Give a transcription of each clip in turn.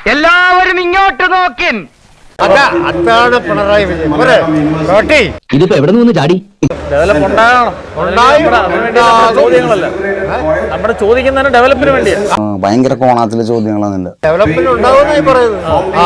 എല്ലാവരും ഇങ്ങോട്ട് നോക്കിൻ. അതാണ് പിണറായി വിജയൻ. ഇതിപ്പോ എവിടെ നിന്ന് ചാടി? ഡെവലപ്പ് ചോദ്യങ്ങളല്ല, നമ്മുടെ ചോദിക്കുന്നതിന് ഡെവലപ്പിന് വേണ്ടിയാണ്. ഭയങ്കര കോണാത്തിലെ ചോദ്യങ്ങളാണ്. ഡെവലപ്മെന്റ് ഉണ്ടാവുമെന്നായി പറയുന്നത്.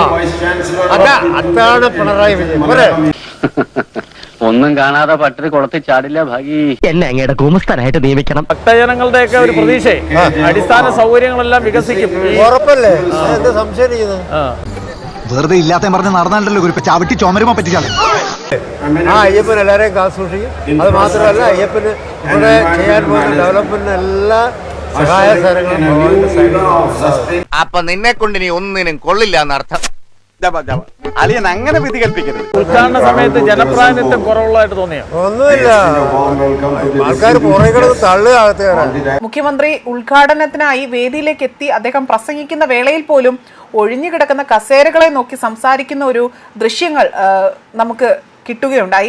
അതാണ് പിണറായി വിജയൻ. ഒന്നും കാണാതെ പട്ടിണി കുളത്തിൽ ചാടില്ല ഭാഗി. എന്നെ അങ്ങയുടെ ഗുമസ്തനായിട്ട് നിയമിക്കണം. ഭക്തജനങ്ങളുടെയൊക്കെ ഒരു പ്രതീക്ഷ അടിസ്ഥാന സൗകര്യങ്ങളെല്ലാം വികസിക്കും. ഉറപ്പല്ലേ? എന്ത് സംശയിക്കുന്നത്? വെറുതെ ഇല്ലാത്ത പറഞ്ഞ് നടന്നല്ലോ ഇപ്പൊ ചവിട്ടി ചുമരുമോ പറ്റിച്ചാൽ അയ്യപ്പൻ എല്ലാരെയും കാത്തു സൂക്ഷിക്കും. അത് മാത്രമല്ല, അയ്യപ്പന് ഇവിടെ ചെയ്യാൻ പോകുന്ന ഡെവലപ്മെന്റിന് എല്ലാ സഹായ സഹകരണങ്ങളും. അപ്പൊ നിന്നെ കൊണ്ട് ഇനി ഒന്നിനും കൊള്ളില്ല എന്നർത്ഥം. അളിയൻ അങ്ങനെ വിധി കൽപ്പിക്കരുത്. ഉദ്ഘാടന സമയത്ത് ജനപ്രാതിനിധ്യം കുറവുള്ളതായിട്ട് തോന്നിയോ? ഒന്നുമില്ല, ആൾക്കാർ പുറകെ കിടന്ന് തള്ളുകയാണ്. മുഖ്യമന്ത്രി ഉദ്ഘാടനത്തിനായി വേദിയിലേക്ക് എത്തി അദ്ദേഹം പ്രസംഗിക്കുന്ന വേളയിൽ പോലും ഒഴിഞ്ഞുകിടക്കുന്ന കസേരകളെ നോക്കി സംസാരിക്കുന്ന ഒരു ദൃശ്യങ്ങൾ നമുക്ക് കിട്ടുകയുണ്ടായി.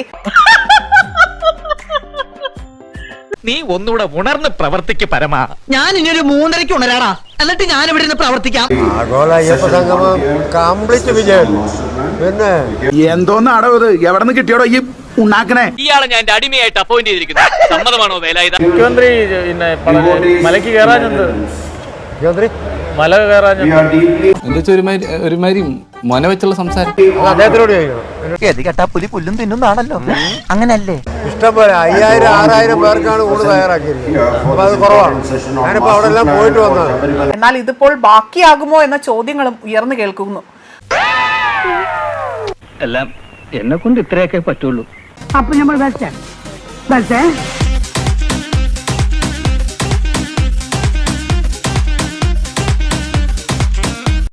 നീ ഒന്നുകൂടെ ഉണർന്ന് പ്രവർത്തിക്ക് പരമാ. ഞാൻ ഇനി ഒരു 3:30 ഉണരാടാ, എന്നിട്ട് ഞാൻ ഇവിടെ നിന്ന് പ്രവർത്തിക്കാം. ആഗോള അയ്യപ്പ സംഗമം കംപ്ലീറ്റ് വിജയം. പിന്നെ എന്തോന്നാടോ ഇത്? എവിടെ നിന്ന് കിട്ടിയോടോ ഈ ഉണ്ടാക്കണേ? ഇയാളെ ഞാൻ എന്റെ അടിമയായിട്ട് അപ്പോയിന്റ് ചെയ്തിരിക്കുന്നത്. സമ്മതമാണോ വേലായുധ? മുഖ്യമന്ത്രി പിന്നെ മലയ്ക്ക് കയറാഞ്ഞെന്ത്? മുഖ്യമന്ത്രി മല കയറാഞ്ഞെന്ത്? ഒരുമാതിരി മൊന വെച്ചുള്ള സംസാരം അദ്ദേഹത്തിനോട് ചോദിക്കണം. കേട്ടാ പുലി പുല്ലും തിന്നുന്നാണല്ലോ, അങ്ങനല്ലേ? ഇഷ്ടംപോലെ 5000-6000 പേർക്കാണ് ഊണ് തയ്യാറാക്കിയിരിക്കുന്നത്. അപ്പൊ അത് കുറവാണ്. ഞാനിപ്പോ അവിടെ എല്ലാം പോയിട്ട് വന്നത്. എന്നാൽ ഇതിപ്പോൾ ബാക്കിയാകുമോ എന്ന ചോദ്യങ്ങളും ഉയർന്നു കേൾക്കുന്നു. എല്ലാം എന്നെ കൊണ്ട് ഇത്രയൊക്കെ പറ്റുള്ളൂ. അപ്പൊ നമ്മൾ